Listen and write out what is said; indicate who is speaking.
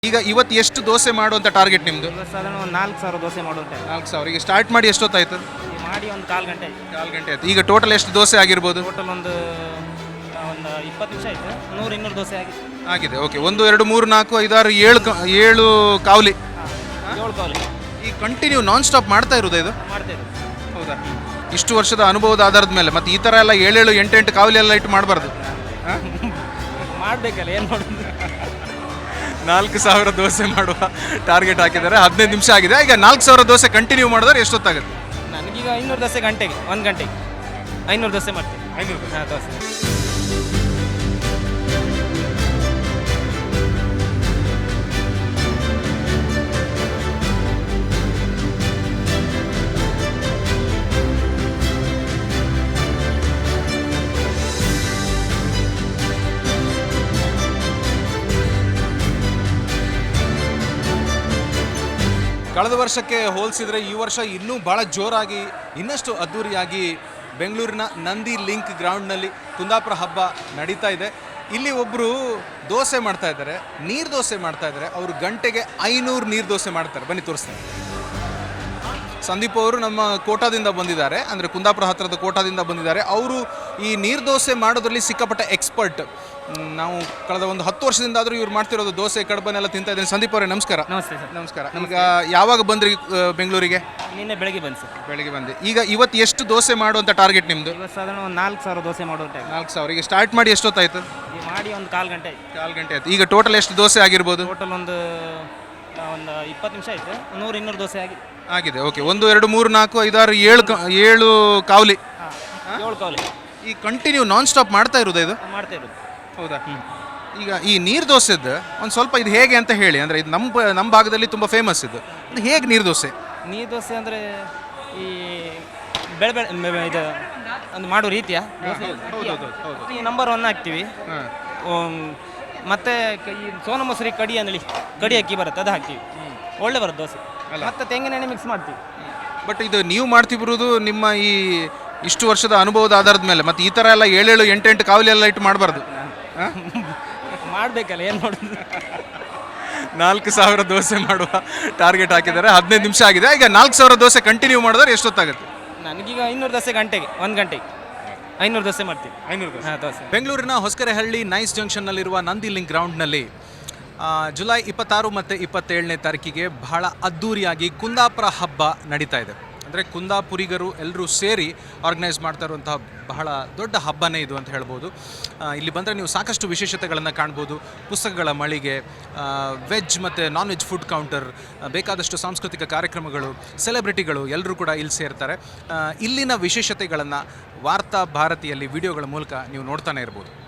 Speaker 1: ಈಗ ಇವತ್ತು ಎಷ್ಟು ದೋಸೆ ಮಾಡುವಂತ ಟಾರ್ಗೆಟ್ ನಿಮ್ದು?
Speaker 2: ಸಾಧಾರಣ ಒಂದು 4,000 ದೋಸೆ ಮಾಡುವಂತೆ
Speaker 1: 4,000. ಈಗ ಸ್ಟಾರ್ಟ್ ಮಾಡಿ ಎಷ್ಟೊತ್ತಾಯ್ತು?
Speaker 2: ಮಾಡಿ ಒಂದು ಕಾಲು ಗಂಟೆ
Speaker 1: ಆಯ್ತು. ಈಗ ಟೋಟಲ್ ಎಷ್ಟು ದೋಸೆ ಆಗಿರ್ಬೋದು?
Speaker 2: ಟೋಟಲ್ ಒಂದು 20 ನಿಮಿಷ ಆಯ್ತು. 100-200 ದೋಸೆ
Speaker 1: ಆಗಿದೆ. ಓಕೆ, 1 2 3 4 5 6 7 ಕಾವಲಿ.
Speaker 2: 7 ಕಾವಲಿ
Speaker 1: ಈ ಕಂಟಿನ್ಯೂ ನಾನ್ ಸ್ಟಾಪ್ ಮಾಡ್ತಾ ಇರೋದು ಇದು?
Speaker 2: ಮಾಡ್ತಾ ಇರೋದು.
Speaker 1: ಹೌದಾ? ಇಷ್ಟು ವರ್ಷದ ಅನುಭವದ ಆಧಾರದ ಮೇಲೆ ಮತ್ತೆ ಈ ಥರ ಎಲ್ಲ 7 8 ಕಾವಲಿ ಎಲ್ಲ ಇಟ್ಟು ಮಾಡಬಾರ್ದು.
Speaker 2: ಮಾಡಬೇಕಲ್ಲ, ಏನು ಮಾಡೋದು.
Speaker 1: 4,000 ದೋಸೆ ಮಾಡುವ ಟಾರ್ಗೆಟ್ ಹಾಕಿದ್ದಾರೆ. 15 ನಿಮಿಷ ಆಗಿದೆ. ಈಗ 4,000 ದೋಸೆ ಕಂಟಿನ್ಯೂ ಮಾಡಿದ್ರೆ ಎಷ್ಟೊತ್ತಾಗುತ್ತೆ?
Speaker 2: ನನಗೀಗ 500 ದೋಸೆ ಗಂಟೆಗೆ 1 ಗಂಟೆಗೆ 500 ದೋಸೆ ಮಾಡ್ತೀನಿ. 500 ದೋಸೆ.
Speaker 1: ಕಳೆದ ವರ್ಷಕ್ಕೆ ಹೋಲಿಸಿದರೆ ಈ ವರ್ಷ ಇನ್ನೂ ಭಾಳ ಜೋರಾಗಿ ಇನ್ನಷ್ಟು ಅದ್ಧೂರಿಯಾಗಿ ಬೆಂಗಳೂರಿನ ನಂದಿ ಲಿಂಕ್ ಗ್ರೌಂಡ್ನಲ್ಲಿ ಕುಂದಾಪುರ ಹಬ್ಬ ನಡೀತಾ ಇದೆ. ಇಲ್ಲಿ ಒಬ್ಬರು ದೋಸೆ ಮಾಡ್ತಾ ಇದ್ದಾರೆ, ನೀರು ದೋಸೆ ಮಾಡ್ತಾ ಇದ್ದಾರೆ. ಅವರು ಗಂಟೆಗೆ 500 ನೀರು ದೋಸೆ ಮಾಡ್ತಾರೆ. ಬನ್ನಿ ತೋರಿಸ್ತಾರೆ. ಸಂದೀಪ್ ಅವರು ನಮ್ಮ ಕೋಟಾದಿಂದ ಬಂದಿದ್ದಾರೆ, ಅಂದರೆ ಕುಂದಾಪುರ ಹತ್ತಿರದ ಕೋಟಾದಿಂದ ಬಂದಿದ್ದಾರೆ. ಅವರು ಈ ನೀರು ದೋಸೆ ಮಾಡೋದ್ರಲ್ಲಿ ಸಿಕ್ಕಾಪಟ್ಟೆ ಎಕ್ಸ್ಪರ್ಟ್. ನಾವು ಕಳೆದ ಒಂದು 10 ವರ್ಷದಿಂದ ಆದರೂ ಇವ್ರು ಮಾಡ್ತಿರೋದು ದೋಸೆ ಕಡಬನೆಲ್ಲ ತಿಂತಾ ಇದ್ದೀನಿ. ಸಂದೀಪ್ ಅವರೇ ನಮಸ್ಕಾರ.
Speaker 2: ನಮಸ್ತೆ ಸರ್.
Speaker 1: ನಮಸ್ಕಾರ. ಈಗ ಯಾವಾಗ ಬಂದ್ರಿ ಬೆಂಗಳೂರಿಗೆ?
Speaker 2: ನಿನ್ನೆ ಬೆಳಗ್ಗೆ ಬಂದು ಸರ್.
Speaker 1: ಬೆಳಗ್ಗೆ ಬಂದೆ. ಈಗ ಇವತ್ತು ಎಷ್ಟು ದೋಸೆ ಮಾಡುವಂಥ ಟಾರ್ಗೆಟ್ ನಿಮ್ಮದು?
Speaker 2: ಇವತ್ತು ಸಾಧಾರಣ ಒಂದು 4,000 ದೋಸೆ ಮಾಡುವಂತೆ
Speaker 1: 4,000. ಈಗ ಸ್ಟಾರ್ಟ್ ಮಾಡಿ ಎಷ್ಟೊತ್ತಾಯ್ತು?
Speaker 2: ಮಾಡಿ ಒಂದು ಕಾಲು ಗಂಟೆ
Speaker 1: ಆಯ್ತು. ಈಗ ಟೋಟಲ್ ಎಷ್ಟು ದೋಸೆ ಆಗಿರ್ಬೋದು?
Speaker 2: ಟೋಟಲ್ ಒಂದು 20 ನಿಮಿಷ ಆಯಿತು. 100-200 ದೋಸೆ
Speaker 1: ಆಗಿದೆ. ಓಕೆ, 1 2 3 4 5 6 7 ಕಾವಲಿ.
Speaker 2: 7 ಕಾವಲಿ.
Speaker 1: ಈ ಕಂಟಿನ್ಯೂ ನಾನ್ ಸ್ಟಾಪ್ ಮಾಡ್ತಾ ಇರೋದು ಇದು?
Speaker 2: ಮಾಡ್ತಾ ಇರೋದು.
Speaker 1: ಹೌದಾ? ಈಗ ಈ ನೀರು ದೋಸೆದ್ದು ಒಂದು ಸ್ವಲ್ಪ ಇದು ಹೇಗೆ ಅಂತ ಹೇಳಿ. ಅಂದರೆ ಇದು ನಮ್ಮ ಭಾಗದಲ್ಲಿ ತುಂಬ ಫೇಮಸ್ ಇದು. ಇದು ಹೇಗೆ ನೀರು ದೋಸೆ?
Speaker 2: ನೀರು ದೋಸೆ ಅಂದರೆ ಈ ಇದು ಒಂದು ಮಾಡೋ ರೀತಿಯ ಈ ನಂಬರ್ 1 ಹಾಕ್ತೀವಿ. ಮತ್ತು ಈ ಸೋನಾ ಮೊಸರಿ ಕಡಿ ಅಕ್ಕಿ ಬರುತ್ತೆ, ಅದು ಹಾಕ್ತೀವಿ. ಒಳ್ಳೆ ಬರುತ್ತೆ ದೋಸೆ. ಮತ್ತು ತೆಂಗಿನ ಎಣ್ಣೆ ಮಿಕ್ಸ್ ಮಾಡ್ತೀವಿ.
Speaker 1: ಬಟ್ ಇದು ನೀವು ಮಾಡ್ತಿರೋದು ನಿಮ್ಮ ಈ ಇಷ್ಟು ವರ್ಷದ ಅನುಭವದ ಆಧಾರದ ಮೇಲೆ. ಮತ್ತು ಈ ಥರ ಎಲ್ಲ 7 8 ಕಾವಲಿ ಎಲ್ಲ ಇಟ್ಟು ಮಾಡಬಾರ್ದು.
Speaker 2: ಮಾಡಬೇಕಲ್ಲ, ಏನು ಮಾಡೋದು.
Speaker 1: 4,000 ದೋಸೆ ಮಾಡುವ ಟಾರ್ಗೆಟ್ ಹಾಕಿದ್ದಾರೆ. 15 ನಿಮಿಷ ಆಗಿದೆ. ಈಗ 4,000 ದೋಸೆ ಕಂಟಿನ್ಯೂ ಮಾಡಿದ್ರೆ ಎಷ್ಟೊತ್ತಾಗುತ್ತೆ?
Speaker 2: ನನಗೀಗ 500 ದೋಸೆ ಗಂಟೆಗೆ 1 ಗಂಟೆಗೆ 500 ದೋಸೆ ಮಾಡ್ತೀವಿ. 500 ದೋಸೆ.
Speaker 1: ಬೆಂಗಳೂರಿನ ಹೊಸಕೆರೆಹಳ್ಳಿ ನೈಸ್ ಜಂಕ್ಷನ್ನಲ್ಲಿರುವ ನಂದಿ ಲಿಂಕ್ ಗ್ರೌಂಡ್ನಲ್ಲಿ ಜುಲೈ 26 ಮತ್ತು 27ನೇ ತಾರೀಕಿಗೆ ಬಹಳ ಅದ್ಧೂರಿಯಾಗಿ ಕುಂದಾಪುರ ಹಬ್ಬ ನಡೀತಾ ಇದೆ. ಅಂದರೆ ಕುಂದಾಪುರಿಗರು ಎಲ್ಲರೂ ಸೇರಿ ಆರ್ಗನೈಸ್ ಮಾಡ್ತಾ ಇರುವಂತಹ ಬಹಳ ದೊಡ್ಡ ಹಬ್ಬನೇ ಇದು ಅಂತ ಹೇಳ್ಬೋದು. ಇಲ್ಲಿ ಬಂದರೆ ನೀವು ಸಾಕಷ್ಟು ವಿಶೇಷತೆಗಳನ್ನು ಕಾಣ್ಬೋದು. ಪುಸ್ತಕಗಳ ಮಳಿಗೆ, ವೆಜ್ ಮತ್ತು ನಾನ್ ವೆಜ್ ಫುಡ್ ಕೌಂಟರ್, ಬೇಕಾದಷ್ಟು ಸಾಂಸ್ಕೃತಿಕ ಕಾರ್ಯಕ್ರಮಗಳು, ಸೆಲೆಬ್ರಿಟಿಗಳು ಎಲ್ಲರೂ ಕೂಡ ಇಲ್ಲಿ ಸೇರ್ತಾರೆ. ಇಲ್ಲಿನ ವಿಶೇಷತೆಗಳನ್ನು ವಾರ್ತಾ ಭಾರತಿಯಲ್ಲಿ ವಿಡಿಯೋಗಳ ಮೂಲಕ ನೀವು ನೋಡ್ತಾನೆ ಇರ್ಬೋದು.